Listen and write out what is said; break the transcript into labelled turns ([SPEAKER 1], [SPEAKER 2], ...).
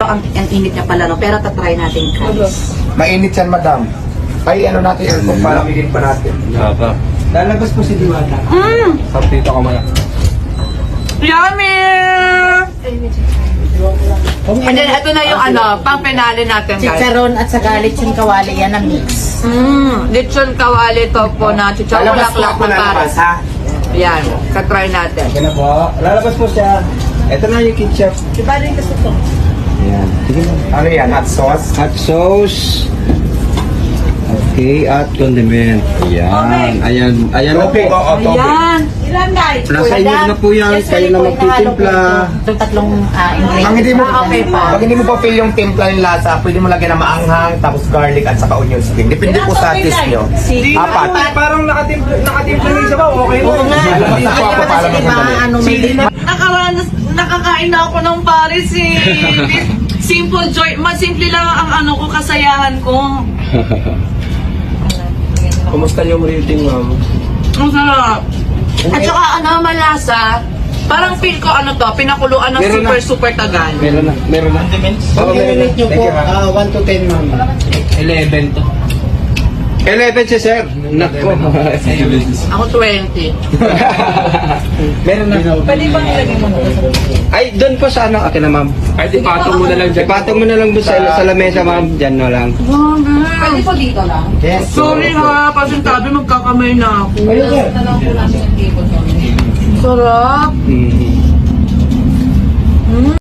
[SPEAKER 1] ang init niya pala, no? Pero tatry natin, guys.
[SPEAKER 2] Mainit yan, madam. Ay, ano natin, aircon para migin pa natin.
[SPEAKER 3] Naka.
[SPEAKER 2] Lalabas po si Diwata.
[SPEAKER 3] Sartito ka muna.
[SPEAKER 1] Yummy! And then, ito na yung pang penale natin, guys.
[SPEAKER 4] Chicharon at saka lechon kawali, yan ang mix.
[SPEAKER 1] Lechon kawali topo na chicharon
[SPEAKER 2] Lalabas po
[SPEAKER 1] laklak
[SPEAKER 2] ako
[SPEAKER 1] na
[SPEAKER 2] lalabas,
[SPEAKER 1] pares.
[SPEAKER 2] ha?
[SPEAKER 1] Yan, katry natin.
[SPEAKER 3] Yan na po. Lalabas po siya. Ito na yung ketchup.
[SPEAKER 4] Diba rin kasi ito?
[SPEAKER 3] Ayan. Sige na.
[SPEAKER 2] Ano yan, hot sauce?
[SPEAKER 3] Hot sauce. Okay, at condiment. Ayan. Ayan. Ayan na po.
[SPEAKER 2] Topic, oo, topic.
[SPEAKER 1] Ayan.
[SPEAKER 4] Ilan guys?
[SPEAKER 3] Nasa inyo na po yan. Kayo na magtitimpla.
[SPEAKER 4] Itong tatlong
[SPEAKER 2] Ang
[SPEAKER 4] ingredients.
[SPEAKER 2] hindi mo,
[SPEAKER 1] Okay pa.
[SPEAKER 2] pag hindi mo pa feel yung timpla yung lasa, pwede mo lagyan ng maanghang, tapos garlic at saka onion skin. Depende po sa taste nyo. Apat.
[SPEAKER 3] Parang nakatimpla yung isa ba? Okay mo.
[SPEAKER 4] Oo nga.
[SPEAKER 2] Basta po ako pala
[SPEAKER 4] Kasi diba,
[SPEAKER 2] magandali.
[SPEAKER 4] ano, may
[SPEAKER 1] Nakakain na ako ng pares eh. Simple joy. Simple lang ang ko, kasayahan ko.
[SPEAKER 3] Kumusta yung rating, ma'am?
[SPEAKER 1] Ang sarap. At saka malasa. Parang feel ko pinakuluan ng
[SPEAKER 3] Meron na.
[SPEAKER 1] super tagal.
[SPEAKER 3] Meron na. Meron na. Oo, meron na.
[SPEAKER 4] nyo po, 1 to 10 ma'am.
[SPEAKER 3] 11 to. 11 siya, sir. Nako.
[SPEAKER 1] Ako 20.
[SPEAKER 3] Meron na.
[SPEAKER 1] Pwede bang ilagay mo na?
[SPEAKER 3] Ay, doon po sa ano, akin na, ma'am. Ay, ipatong mo na lang dyan. Ipatong mo na lang doon sa lamesa, ma'am. Dyan na lang.
[SPEAKER 1] Pwede po dito lang?
[SPEAKER 2] Yes.
[SPEAKER 1] Sorry ha, pasintabi magkakamay na ako. Sarap.
[SPEAKER 3] Mm.